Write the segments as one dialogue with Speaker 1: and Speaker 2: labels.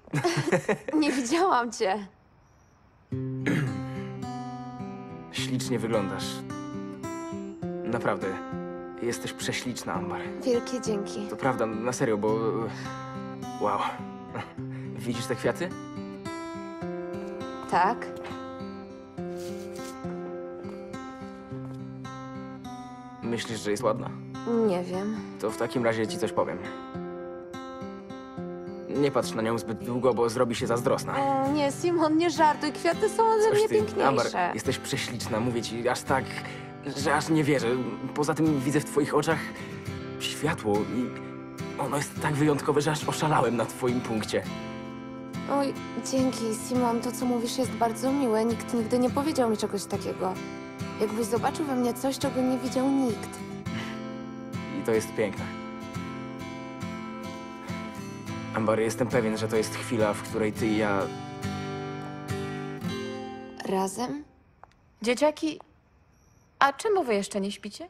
Speaker 1: Nie widziałam cię.
Speaker 2: Ślicznie wyglądasz. Naprawdę. Jesteś prześliczna, Ambar.
Speaker 1: Wielkie dzięki.
Speaker 2: To prawda, na serio, bo... Wow. Widzisz te kwiaty?
Speaker 1: Tak?
Speaker 2: Myślisz, że jest ładna?
Speaker 1: Nie wiem.
Speaker 2: To w takim razie ci coś powiem. Nie patrz na nią zbyt długo, bo zrobi się zazdrosna.
Speaker 1: O, nie, Simon, nie żartuj. Kwiaty są ode mnie piękniejsze.
Speaker 2: Ambar, jesteś prześliczna, mówię ci, aż tak, że aż nie wierzę. Poza tym widzę w twoich oczach światło i ono jest tak wyjątkowe, że aż oszalałem na twoim punkcie.
Speaker 1: Oj, dzięki, Simon. To, co mówisz, jest bardzo miłe. Nikt nigdy nie powiedział mi czegoś takiego. Jakbyś zobaczył we mnie coś, czego nie widział nikt.
Speaker 2: I to jest piękne. Ambar, jestem pewien, że to jest chwila, w której ty i ja...
Speaker 1: Razem?
Speaker 3: Dzieciaki, a czemu wy jeszcze nie śpicie?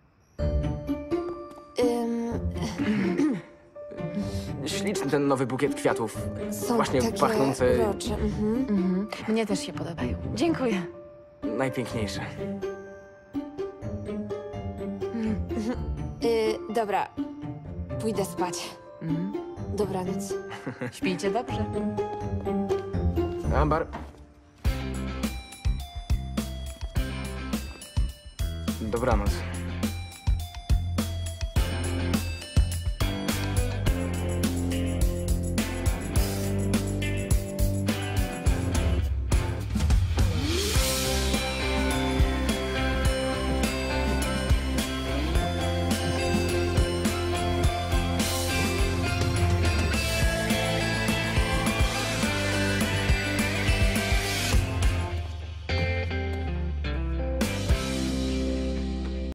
Speaker 2: Śliczny ten nowy bukiet kwiatów.
Speaker 1: Są
Speaker 2: Właśnie
Speaker 1: takie
Speaker 2: pachnące...
Speaker 1: urocze.
Speaker 3: Mnie też się podobają. Dziękuję.
Speaker 2: Najpiękniejsze.
Speaker 1: Dobra, pójdę spać. Dobranoc.
Speaker 3: Śpijcie dobrze.
Speaker 2: Ambar. Dobranoc.